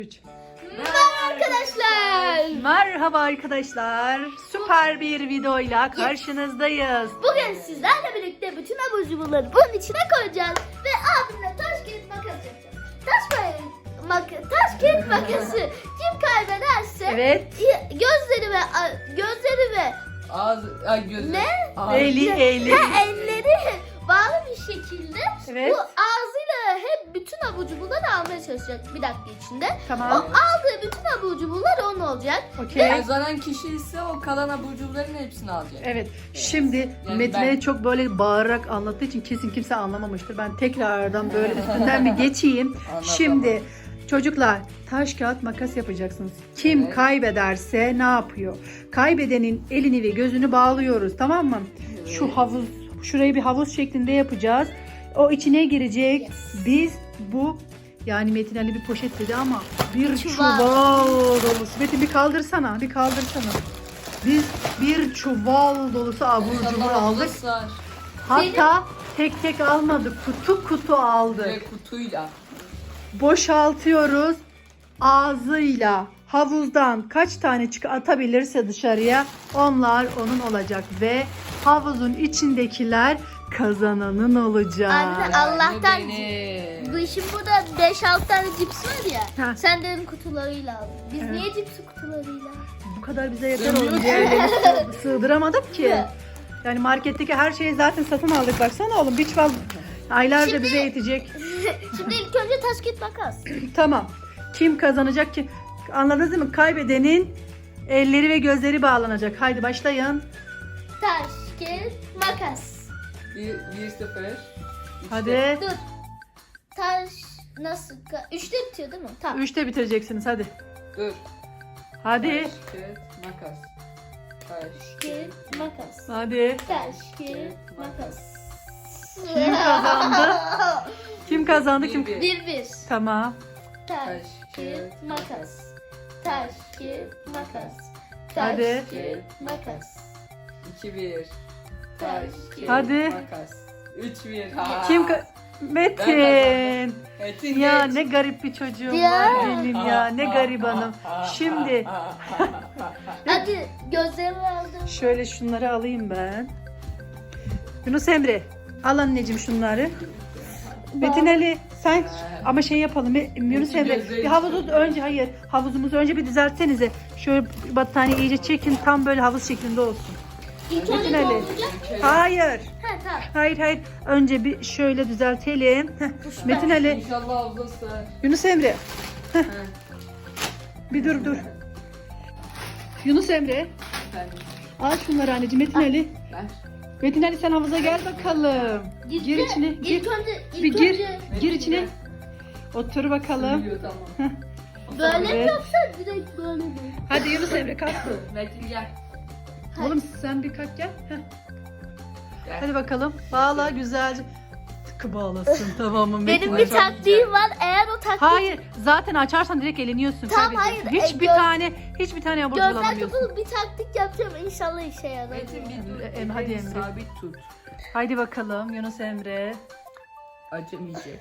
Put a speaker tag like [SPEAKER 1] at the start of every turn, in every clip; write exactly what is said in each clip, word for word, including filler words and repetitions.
[SPEAKER 1] üç.
[SPEAKER 2] Merhaba arkadaşlar.
[SPEAKER 1] Merhaba arkadaşlar. Süper bir videoyla karşınızdayız.
[SPEAKER 2] Bugün sizlerle birlikte bütün abur cuburları bunun içine koyacağız. Ve abimle taş kağıt makas yapacağız. Taş mak taş kağıt makası kim kaybederse
[SPEAKER 1] Evet.
[SPEAKER 2] gözleri ve gözleri ve
[SPEAKER 3] Ağız, ay gözü.
[SPEAKER 2] Ne?
[SPEAKER 3] Ağız.
[SPEAKER 1] Eli eli.
[SPEAKER 2] ha, elleri bağlı bir şekilde
[SPEAKER 1] Evet.
[SPEAKER 2] bu ağzıyla hep bütün abur cuburları almaya çalışacak bir dakika içinde. O
[SPEAKER 1] Tamam.
[SPEAKER 2] aldığı bütün abur cuburlar onun olacak.
[SPEAKER 1] Okey.
[SPEAKER 3] Kazanan kişi ise o kalan abur cuburların hepsini alacak.
[SPEAKER 1] Evet. Şimdi
[SPEAKER 3] Yani
[SPEAKER 1] Metin
[SPEAKER 3] ben-
[SPEAKER 1] Ali çok böyle bağırarak anlattığı için kesin kimse anlamamıştır. Ben tekrardan böyle üstünden bir geçeyim.
[SPEAKER 3] Anlatamam.
[SPEAKER 1] Şimdi çocuklar taş kağıt makas yapacaksınız. Kim
[SPEAKER 3] Evet.
[SPEAKER 1] kaybederse ne yapıyor? Kaybedenin elini ve gözünü bağlıyoruz, tamam mı? Şu havuz, şurayı bir havuz şeklinde yapacağız. O içine girecek. Biz bu yani Metin Ali bir poşet dedi ama bir
[SPEAKER 2] Çuval.
[SPEAKER 1] çuval dolusu. Metin bir kaldırsana, bir kaldırsana. Biz bir çuval dolusu abur cubur
[SPEAKER 3] İnşallah
[SPEAKER 1] aldık.
[SPEAKER 3] sığar.
[SPEAKER 1] Hatta tek tek almadık. Kutu kutu aldık.
[SPEAKER 3] Ve kutuyla.
[SPEAKER 1] Boşaltıyoruz. Ağzıyla havuzdan kaç tane çık atabilirse dışarıya onlar onun olacak ve havuzun içindekiler kazananın olacak.
[SPEAKER 2] Anne, Allah'tan
[SPEAKER 3] Yani
[SPEAKER 2] bu işin burada beş altı tane cips var ya.
[SPEAKER 1] Ha.
[SPEAKER 2] Sen dedim kutularıyla aldın. Biz
[SPEAKER 1] Evet.
[SPEAKER 2] niye cipsi kutularıyla aldık?
[SPEAKER 1] Bu kadar bize yeter
[SPEAKER 3] Sığmıyor
[SPEAKER 1] oğlum.
[SPEAKER 3] ki.
[SPEAKER 1] Diğerlerini sığ- sığdıramadık ki.
[SPEAKER 2] Evet.
[SPEAKER 1] Yani marketteki her şeyi zaten satın aldık. Baksana oğlum bir çuval aylarca
[SPEAKER 2] Şimdi-
[SPEAKER 1] bize yetecek.
[SPEAKER 2] Şimdi ilk önce taş kağıt makas.
[SPEAKER 1] Tamam. Kim kazanacak ki? Anladınız değil mi? Kaybedenin elleri ve gözleri bağlanacak. Haydi başlayın.
[SPEAKER 2] Taş kağıt makas.
[SPEAKER 3] bir, bir sıfır. İşte.
[SPEAKER 1] Hadi.
[SPEAKER 2] Dur. Taş nasıl? ka- Üçte bitiyor değil mi? Tamam.
[SPEAKER 1] Üçte bitireceksiniz hadi.
[SPEAKER 3] Dur.
[SPEAKER 1] Hadi.
[SPEAKER 3] Taş, kağıt, makas. Taş,
[SPEAKER 2] Kağıt makas.
[SPEAKER 1] Hadi.
[SPEAKER 2] Taş kağıt makas.
[SPEAKER 1] Kim kazandı? Kim kazandı? Kim?
[SPEAKER 3] Bir, bir.
[SPEAKER 2] Bir bir.
[SPEAKER 1] Tamam.
[SPEAKER 2] Taş
[SPEAKER 3] Taş,
[SPEAKER 2] kağıt
[SPEAKER 3] kağıt,
[SPEAKER 2] makas. Taş kağıt makas. Taş
[SPEAKER 1] Hadi.
[SPEAKER 2] kağıt makas.
[SPEAKER 3] iki bir. Taş, kağıt,
[SPEAKER 1] Hadi.
[SPEAKER 3] makas. üç bir. Ha.
[SPEAKER 1] Kim? ka- Metin.
[SPEAKER 3] Metin
[SPEAKER 1] Ya
[SPEAKER 3] geç.
[SPEAKER 1] ne garip bir çocuğum
[SPEAKER 2] Ya.
[SPEAKER 1] var benim ya. Ne garibanım. Şimdi
[SPEAKER 2] Hadi gözlerimi aldım.
[SPEAKER 1] şöyle şunları alayım ben. Yunus Emre al anneciğim şunları. Metin Ali sen ama şey yapalım. e, Yunus Emre bir havuzu önce hayır havuzumuzu önce bir düzeltsenize. Şöyle battaniye iyice çekin tam böyle havuz şeklinde olsun.
[SPEAKER 2] İlk
[SPEAKER 1] Metin
[SPEAKER 2] önce
[SPEAKER 1] Ali.
[SPEAKER 2] dolduracak.
[SPEAKER 1] Hayır.
[SPEAKER 2] Ha tamam.
[SPEAKER 1] Hayır hayır. Önce bir şöyle düzeltelim. Heh. Metin Ali,
[SPEAKER 3] İnşallah abla sığar.
[SPEAKER 1] Yunus Emre.
[SPEAKER 3] Heh.
[SPEAKER 1] Bir dur dur. Yunus Emre.
[SPEAKER 3] Efendim,
[SPEAKER 1] Al şunları anneciğim. Metin Ali.
[SPEAKER 3] ver.
[SPEAKER 1] Metin Ali sen havuza gel bakalım.
[SPEAKER 2] Gitti.
[SPEAKER 1] Gir içine. Gir.
[SPEAKER 2] İlk önce, ilk
[SPEAKER 1] Bir gir.
[SPEAKER 2] önce
[SPEAKER 1] Gir içine. Otur bakalım.
[SPEAKER 3] Sığıyor, tamam.
[SPEAKER 2] böyle mi
[SPEAKER 1] Evet.
[SPEAKER 2] yoksa direkt böyle mi?
[SPEAKER 1] Hadi Yunus Emre kalk.
[SPEAKER 3] Metin gel.
[SPEAKER 1] Oğlum sen bir kalk gel. Heh.
[SPEAKER 3] Gel.
[SPEAKER 1] Hadi bakalım. Bağla güzelce. Tıkı bağlasın tamam mı Metin
[SPEAKER 2] Benim
[SPEAKER 1] Ali?
[SPEAKER 2] bir taktiğim var. Eğer o taktik
[SPEAKER 1] Hayır zaten açarsan direkt eleniyorsun.
[SPEAKER 2] Tamam,
[SPEAKER 1] kaybediyorsun.
[SPEAKER 2] hayır,
[SPEAKER 1] Hiçbir
[SPEAKER 2] e, göz-
[SPEAKER 1] tane hiçbir tane abur
[SPEAKER 2] gözler
[SPEAKER 1] bulamıyorsun.
[SPEAKER 2] kapalı bir taktik yapacağım. İnşallah işe yarar.
[SPEAKER 3] Metin bir dur.
[SPEAKER 1] Em- hadi
[SPEAKER 3] elini
[SPEAKER 1] Emre.
[SPEAKER 3] Sabit tut.
[SPEAKER 1] Haydi bakalım Yunus Emre.
[SPEAKER 3] Acımayacak.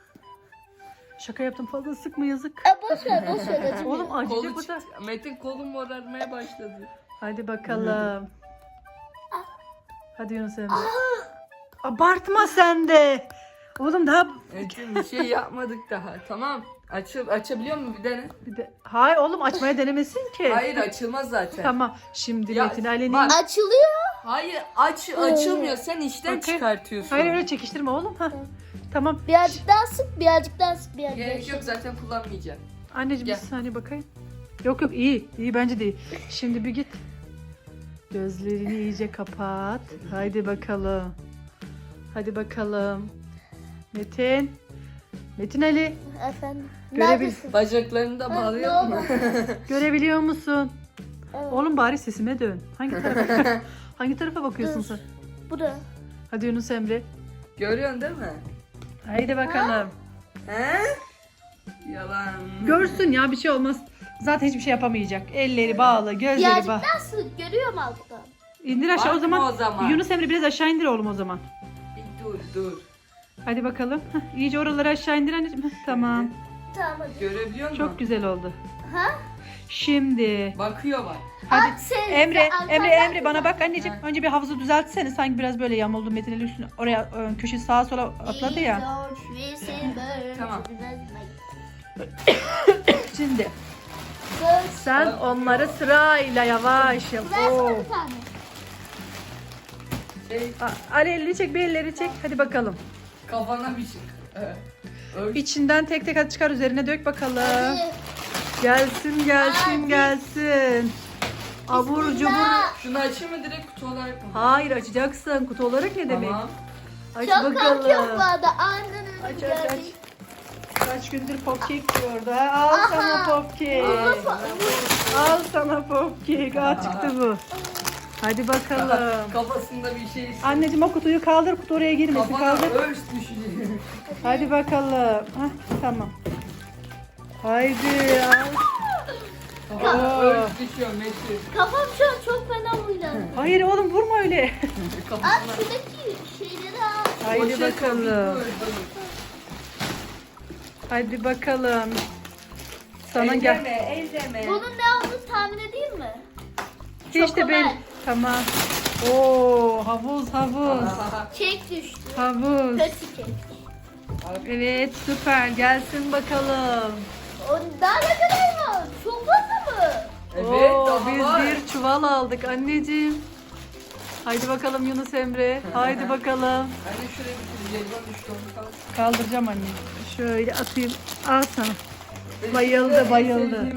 [SPEAKER 1] Şaka yaptım fazla sıkma yazık.
[SPEAKER 2] E, boş ver boş ver. acımıyor.
[SPEAKER 1] Oğlum acıcık
[SPEAKER 3] Kolu
[SPEAKER 1] bu da.
[SPEAKER 3] çıktı. Metin kolum morarmaya başladı.
[SPEAKER 1] Hadi bakalım. Hadi Yunus Emre. Abartma sen de. Oğlum daha
[SPEAKER 3] Metin bir şey yapmadık daha. Tamam. Açıl açabiliyor mu bir tane?
[SPEAKER 1] bir de... Hayır oğlum açmaya denemesin ki.
[SPEAKER 3] Hayır açılmaz zaten.
[SPEAKER 1] Tamam. Şimdi
[SPEAKER 3] Ya,
[SPEAKER 1] Metin Ali'nin...
[SPEAKER 3] bak.
[SPEAKER 2] Açılıyor.
[SPEAKER 3] Hayır aç açılmıyor. Sen işten
[SPEAKER 1] Okey.
[SPEAKER 3] çıkartıyorsun.
[SPEAKER 1] Hayır öyle çekiştirme oğlum. Hah. Tamam.
[SPEAKER 2] Birazcık daha sık, birazcık daha sık, birazcık daha
[SPEAKER 3] Gerek
[SPEAKER 2] sık.
[SPEAKER 3] yok zaten kullanmayacağım.
[SPEAKER 1] Anneciğim
[SPEAKER 3] Gel.
[SPEAKER 1] bir saniye bakayım. Yok yok iyi. İyi bence de iyi. Şimdi bir git. Gözlerini iyice kapat. Haydi bakalım. Hadi bakalım. Metin. Metin Ali.
[SPEAKER 2] Efendim.
[SPEAKER 1] Görebil-
[SPEAKER 2] Neredesin?
[SPEAKER 3] Bacaklarını da
[SPEAKER 2] Ha,
[SPEAKER 3] bağlıyor
[SPEAKER 2] ne
[SPEAKER 3] mu?
[SPEAKER 2] oldu?
[SPEAKER 1] Görebiliyor musun?
[SPEAKER 2] Evet.
[SPEAKER 1] Oğlum bari sesime dön. Hangi tarafa? Hangi tarafa bakıyorsun
[SPEAKER 2] Dur.
[SPEAKER 1] sen?
[SPEAKER 2] Buraya.
[SPEAKER 1] Hadi Yunus Emre.
[SPEAKER 3] Görüyorsun değil mi?
[SPEAKER 1] Haydi bakalım.
[SPEAKER 3] He? Yalan.
[SPEAKER 1] Görsün ya bir şey olmaz. Zaten hiçbir şey yapamayacak. Elleri bağlı, gözleri
[SPEAKER 2] Birazcık
[SPEAKER 1] bağlı.
[SPEAKER 2] daha sık, görüyor mu alttan?
[SPEAKER 1] İndir aşağı o
[SPEAKER 3] Bakma
[SPEAKER 1] zaman.
[SPEAKER 3] o zaman.
[SPEAKER 1] Yunus Emre biraz aşağı indir oğlum o zaman.
[SPEAKER 3] Bir dur dur.
[SPEAKER 1] Hadi bakalım. Heh, iyice oraları aşağı indir anneciğim. Heh, tamam.
[SPEAKER 2] Tamam hadi.
[SPEAKER 3] Görebiliyor musun?
[SPEAKER 1] Çok güzel oldu.
[SPEAKER 2] Ha?
[SPEAKER 1] Şimdi
[SPEAKER 3] Bakıyor bak.
[SPEAKER 1] hadi
[SPEAKER 2] At sen-
[SPEAKER 1] Emre,
[SPEAKER 2] sen
[SPEAKER 1] Emre,
[SPEAKER 2] arkadan
[SPEAKER 1] Emre bana
[SPEAKER 2] güzel.
[SPEAKER 1] bak anneciğim. Önce bir havuzu düzeltsene. Sanki biraz böyle yamuldu Metin Ali üstüne. Oraya e, köşe sağa sola atladı ya.
[SPEAKER 3] Tamam.
[SPEAKER 1] Şimdi sen onları sırayla yavaş yap. Oo.
[SPEAKER 2] Versene bir tane.
[SPEAKER 3] Şey,
[SPEAKER 1] A- Ali elini çek, bir elleri çek. Hadi bakalım.
[SPEAKER 3] kafana bir şey. Evet. Öyle.
[SPEAKER 1] İçinden tek tek hadi çıkar, üzerine dök bakalım.
[SPEAKER 2] Hadi.
[SPEAKER 1] Gelsin, gelsin,
[SPEAKER 2] Hadi.
[SPEAKER 1] gelsin. Abur cubur.
[SPEAKER 2] Bismillah.
[SPEAKER 3] Şunu açayım mı direkt kutu olarak mı?
[SPEAKER 1] Hayır, açacaksın. Kutu olarak ne demek?
[SPEAKER 3] Tamam.
[SPEAKER 1] Aç
[SPEAKER 2] Çok korkuyorum bu
[SPEAKER 1] bakalım.
[SPEAKER 2] arada. Aniden
[SPEAKER 1] Aç
[SPEAKER 2] önüm
[SPEAKER 1] aç aç.
[SPEAKER 2] geldi.
[SPEAKER 1] Kaç gündür popkek yiyordu. ha? Al
[SPEAKER 2] Aha.
[SPEAKER 1] sana popkek. Al sana popkek. Aa, çıktı bu. Hadi bakalım.
[SPEAKER 3] Kafasında bir şey istiyor.
[SPEAKER 1] Anneciğim o kutuyu kaldır. Kutu oraya girmesin.
[SPEAKER 3] Kafana
[SPEAKER 1] Kaldır.
[SPEAKER 3] örs düşecek.
[SPEAKER 1] Hadi bakalım. Hah, tamam. Haydi al.
[SPEAKER 3] Kafana
[SPEAKER 1] Oo.
[SPEAKER 3] örs düşüyor Metin.
[SPEAKER 2] Kafam şu an çok fena huylandı.
[SPEAKER 1] Hayır oğlum, vurma öyle.
[SPEAKER 2] At
[SPEAKER 3] Kafasına.
[SPEAKER 2] şuradaki şeyleri al.
[SPEAKER 1] Haydi
[SPEAKER 3] Poşet o,
[SPEAKER 1] bakalım.
[SPEAKER 3] bitmiyor.
[SPEAKER 1] Hadi bakalım. Sana gel.
[SPEAKER 3] Elleme, elleme.
[SPEAKER 2] Bunun ne olduğunu tahmin edeyim mi?
[SPEAKER 1] Hiç de ben.
[SPEAKER 2] Çokomel.
[SPEAKER 1] Tamam. Oo, havuz havuz.
[SPEAKER 2] Kek düştü.
[SPEAKER 1] Havuz.
[SPEAKER 2] Kötü kek.
[SPEAKER 1] Evet, süper. Gelsin bakalım.
[SPEAKER 2] O daha ne kadar var? Çok fazla mı?
[SPEAKER 3] Evet,
[SPEAKER 1] Oo,
[SPEAKER 3] daha
[SPEAKER 1] biz
[SPEAKER 3] var.
[SPEAKER 1] bir çuval aldık anneciğim. Haydi bakalım Yunus Emre. Haydi bakalım.
[SPEAKER 3] Ben de şuraya bir jelibon düştü onu kaldı.
[SPEAKER 1] Kaldıracağım anne. Şöyle atayım. Al sana. Bayıldı, bayıldı.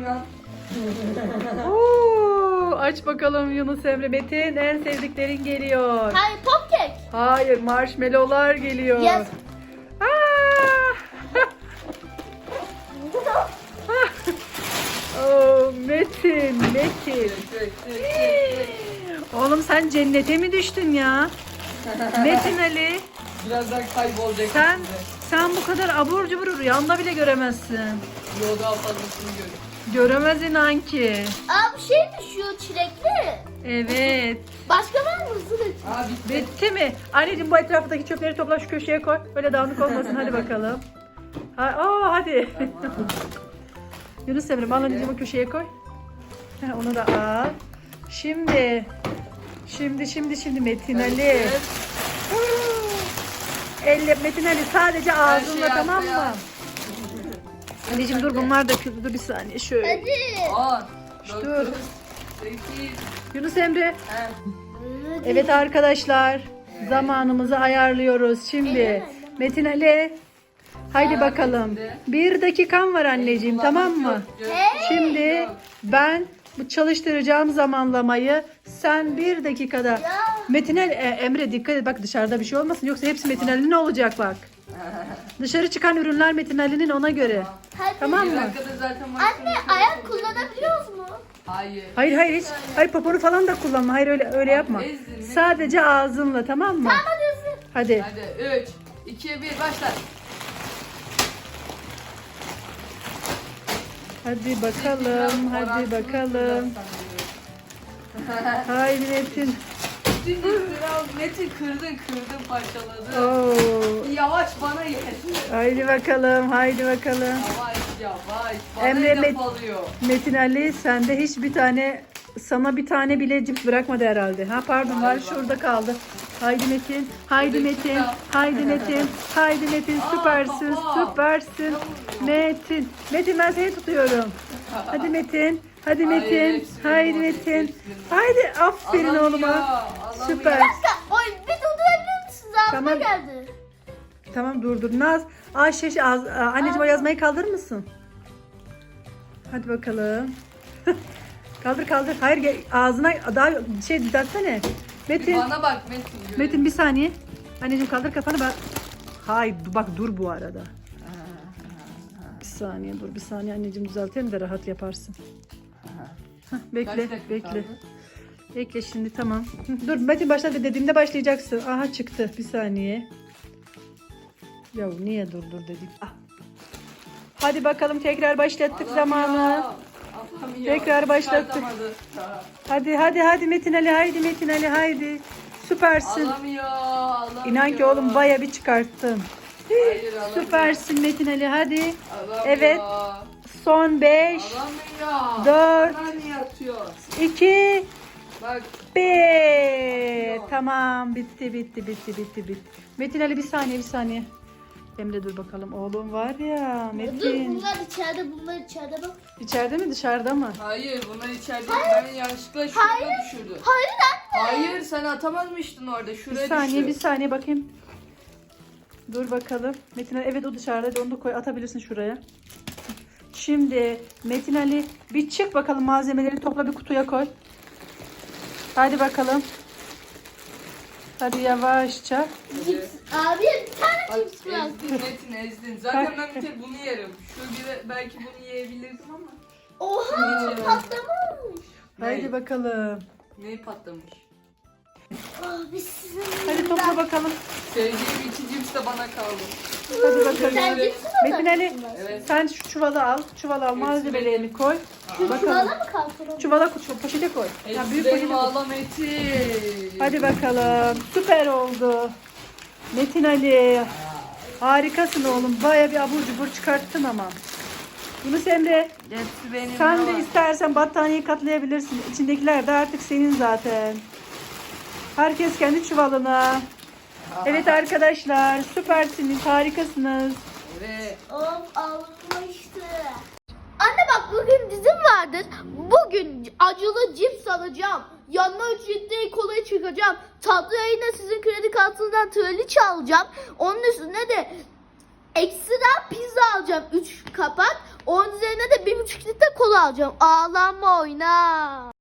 [SPEAKER 1] Oo, aç bakalım Yunus Emre. Metin, en sevdiklerin geliyor.
[SPEAKER 2] Hayır pop kek.
[SPEAKER 1] Hayır, marshmallowlar geliyor.
[SPEAKER 2] Yes.
[SPEAKER 1] Aa! Oo, Metin, Metin. Oğlum sen cennete mi düştün ya? Metin Ali,
[SPEAKER 3] Birazdan kaybolacak.
[SPEAKER 1] sen
[SPEAKER 3] içinde.
[SPEAKER 1] sen bu kadar abur cubur rüyanda bile göremezsin.
[SPEAKER 3] Yo, daha fazlasını görüyorum.
[SPEAKER 1] Göremez inan ki.
[SPEAKER 2] Aa bir şey düşüyor çilekli.
[SPEAKER 1] Evet.
[SPEAKER 2] Başka var mı? Hızlı dök.
[SPEAKER 3] Aa bitti.
[SPEAKER 1] Bitti mi? Anneciğim bu etraftaki çöpleri topla, şu köşeye koy. Böyle dağınık olmasın. Hadi bakalım. Ha, aa, hadi. Yunus Emre, al anneciğim o köşeye koy. Ha, onu da al. Şimdi. Şimdi şimdi şimdi Metin Ali.
[SPEAKER 3] Evet.
[SPEAKER 1] Elle Metin Ali sadece ağzınla,
[SPEAKER 3] şey
[SPEAKER 1] tamam
[SPEAKER 3] arkaya.
[SPEAKER 1] mı? Anneciğim dur, bunlar döküldü. Dur bir saniye şöyle.
[SPEAKER 2] Hadi.
[SPEAKER 3] On.
[SPEAKER 1] Dur.
[SPEAKER 3] Dokuz. Sekiz.
[SPEAKER 1] Yunus Emre.
[SPEAKER 3] He.
[SPEAKER 1] Evet arkadaşlar. Zamanımızı ayarlıyoruz. Şimdi
[SPEAKER 2] Elleme,
[SPEAKER 1] Metin Ali. Haydi
[SPEAKER 3] Aa,
[SPEAKER 1] bakalım.
[SPEAKER 3] bitti.
[SPEAKER 1] Bir dakikan var anneciğim, tamam mı?
[SPEAKER 2] Hey.
[SPEAKER 1] Şimdi ben bu çalıştıracağım zamanlamayı, sen bir dakikada.
[SPEAKER 2] Ya.
[SPEAKER 1] Metin Ali, e, Emre dikkat et bak, dışarıda bir şey olmasın, yoksa hepsi Metin Ali'nin olacak bak. Dışarı çıkan ürünler Metin Ali'nin, ona göre.
[SPEAKER 2] Hadi.
[SPEAKER 1] Tamam
[SPEAKER 3] Bir
[SPEAKER 1] mı?
[SPEAKER 3] dakikada zaten
[SPEAKER 2] Anne
[SPEAKER 3] maksimum
[SPEAKER 2] ayak
[SPEAKER 3] olacak.
[SPEAKER 2] kullanabiliyoruz mu?
[SPEAKER 3] Hayır.
[SPEAKER 1] Hayır hayır hiç. Hayır, poponu falan da kullanma. Hayır, öyle öyle yapma.
[SPEAKER 3] ezdin mi?
[SPEAKER 1] Sadece ağzınla, tamam mı?
[SPEAKER 2] Tamam hadi hızlı.
[SPEAKER 1] Hadi.
[SPEAKER 3] Hadi üç, iki, bir başla.
[SPEAKER 1] Hadi bakalım.
[SPEAKER 3] Biraz
[SPEAKER 1] Hadi
[SPEAKER 3] oransız
[SPEAKER 1] bakalım.
[SPEAKER 3] biraz
[SPEAKER 1] Haydi Metin.
[SPEAKER 3] Şimdi biraz Metin kırdın kırdın parçaladı.
[SPEAKER 1] Oo.
[SPEAKER 3] Yavaş bana yeter.
[SPEAKER 1] Haydi bakalım. Haydi bakalım.
[SPEAKER 3] Yavaş yavaş. Bana
[SPEAKER 1] Emre
[SPEAKER 3] laf
[SPEAKER 1] Met-
[SPEAKER 3] alıyor.
[SPEAKER 1] Metin Ali, sende hiç bir tane, sana bir tane bile cips bırakmadı herhalde. Ha pardon, var,
[SPEAKER 3] Galiba.
[SPEAKER 1] şurada kaldı. Haydi Metin. Haydi
[SPEAKER 3] Şuradaki
[SPEAKER 1] Metin.
[SPEAKER 3] kitap.
[SPEAKER 1] Haydi Metin. Haydi Metin.
[SPEAKER 3] Aa,
[SPEAKER 1] Süpersin.
[SPEAKER 3] baba.
[SPEAKER 1] Süpersin.
[SPEAKER 3] Yavrum.
[SPEAKER 1] Metin. Metin, ben seni tutuyorum. Hadi Metin. Hadi
[SPEAKER 3] Hayır,
[SPEAKER 1] Metin.
[SPEAKER 3] hepsini
[SPEAKER 1] Haydi
[SPEAKER 3] bulamadım,
[SPEAKER 1] Metin.
[SPEAKER 3] hepsini.
[SPEAKER 1] Haydi, aferin
[SPEAKER 3] Alamıyor,
[SPEAKER 1] oğluma.
[SPEAKER 3] alamıyor.
[SPEAKER 1] Süper.
[SPEAKER 2] Bir dakika. Oy bir durdurabilir misiniz? Ağzıma
[SPEAKER 1] Tamam.
[SPEAKER 2] geldi.
[SPEAKER 1] Tamam, dur dur. Naz. Ayşe, şey, ağz- Aa, anneciğim o yazmayı kaldırır mısın? Hadi bakalım. Kaldır kaldır. Hayır, gel- ağzına daha şey düzeltsene. Metin.
[SPEAKER 3] Bana bak Metin.
[SPEAKER 1] Metin bir saniye. Anneciğim kaldır kafanı, ben. Hayır bak, dur bu arada. Bir saniye dur, bir saniye anneciğim, düzeltelim de rahat yaparsın. Hah,
[SPEAKER 3] Kaç
[SPEAKER 1] bekle
[SPEAKER 3] dakika
[SPEAKER 1] bekle.
[SPEAKER 3] kaldı?
[SPEAKER 1] Bekle şimdi, tamam. Hı, dur Metin, başla dediğimde başlayacaksın. Aha çıktı, bir saniye. Ya niye dur dur dedik. Ah. Hadi bakalım, tekrar başlattık
[SPEAKER 3] Alamıyor,
[SPEAKER 1] zamanı.
[SPEAKER 3] alamıyor.
[SPEAKER 1] Tekrar başlattık.
[SPEAKER 3] Çıkartamadı.
[SPEAKER 1] Hadi hadi hadi Metin Ali, haydi Metin Ali, haydi. Süpersin.
[SPEAKER 3] Alamıyor, alamıyor.
[SPEAKER 1] İnan ki oğlum baya bir çıkarttın.
[SPEAKER 3] Hayır, alamıyor.
[SPEAKER 1] Süpersin Metin Ali, hadi.
[SPEAKER 3] Alamıyor.
[SPEAKER 1] Evet. Son beş,
[SPEAKER 3] Alamıyor.
[SPEAKER 1] Dört.
[SPEAKER 3] Bana niye atıyor?
[SPEAKER 1] iki,
[SPEAKER 3] Bak.
[SPEAKER 1] bir. Tamam, bitti bitti bitti bitti bitti. Metin Ali bir saniye bir saniye. Emre dur bakalım, oğlum var ya
[SPEAKER 2] Dur
[SPEAKER 1] Metin.
[SPEAKER 2] bunlar içeride bunlar içeride bak.
[SPEAKER 1] İçeride mi dışarıda mı?
[SPEAKER 3] Hayır bunlar içeride. Ben yanlışlıkla şuraya düşürdüm.
[SPEAKER 2] Hayır anne.
[SPEAKER 3] Hayır sen atamazmıştın orada.
[SPEAKER 1] Bir
[SPEAKER 3] Şuraya
[SPEAKER 1] saniye bir
[SPEAKER 3] düşür.
[SPEAKER 1] saniye bakayım. Dur bakalım. Metin Ali evet o dışarıda. Hadi onu da koy, atabilirsin şuraya. Şimdi Metin Ali bir çık bakalım, malzemeleri topla bir kutuya koy. Hadi bakalım. Hadi yavaşça.
[SPEAKER 2] Cips. Abi bir tane
[SPEAKER 3] Bak
[SPEAKER 2] cips var.
[SPEAKER 3] ezdin Metin ezdin. Zaten ben bir tek bunu yerim. Şu bir belki bunu yiyebilirdim ama.
[SPEAKER 2] Oha
[SPEAKER 3] Cips.
[SPEAKER 2] patlamış.
[SPEAKER 1] Haydi
[SPEAKER 3] Ne?
[SPEAKER 1] bakalım.
[SPEAKER 3] Neyi patlamış?
[SPEAKER 2] Abi sizin
[SPEAKER 1] Hadi topla bakalım.
[SPEAKER 3] Sevdiğim iki cips de bana kaldı.
[SPEAKER 1] Hadi bakalım.
[SPEAKER 2] Sen cipsi mi
[SPEAKER 1] Metin Ali
[SPEAKER 3] Evet.
[SPEAKER 1] sen şu çuvalı al. Çuvalı al, malzemelerini koy.
[SPEAKER 2] Çuvala
[SPEAKER 1] Bakalım.
[SPEAKER 2] mı kalkalım?
[SPEAKER 1] Çuvala koy, poşete koy. Ya
[SPEAKER 3] Hepsi
[SPEAKER 1] büyük
[SPEAKER 3] benim
[SPEAKER 1] poşete koy.
[SPEAKER 3] ağla Metin.
[SPEAKER 1] Hadi bakalım. Süper oldu. Metin Ali. Harikasın oğlum. Baya bir abur cubur çıkarttın ama. Yunus Emre,
[SPEAKER 3] Hepsi benim.
[SPEAKER 1] sen
[SPEAKER 3] ya.
[SPEAKER 1] de istersen battaniyeyi katlayabilirsin. İçindekiler de artık senin zaten. Herkes kendi çuvalına. Evet arkadaşlar, süpersiniz, harikasınız.
[SPEAKER 3] Evet.
[SPEAKER 2] Of almıştı. Anne bak bugün dizim vardır. Bugün acılı cips alacağım. Yanına üç litre kola çıkacağım. Tatlı yayına sizin kredi kartınızdan traliçe alacağım. Onun üstüne de ekstra pizza alacağım. üç kapak. Onun üzerine de bir buçuk litre kola alacağım. Ağlanma oyna.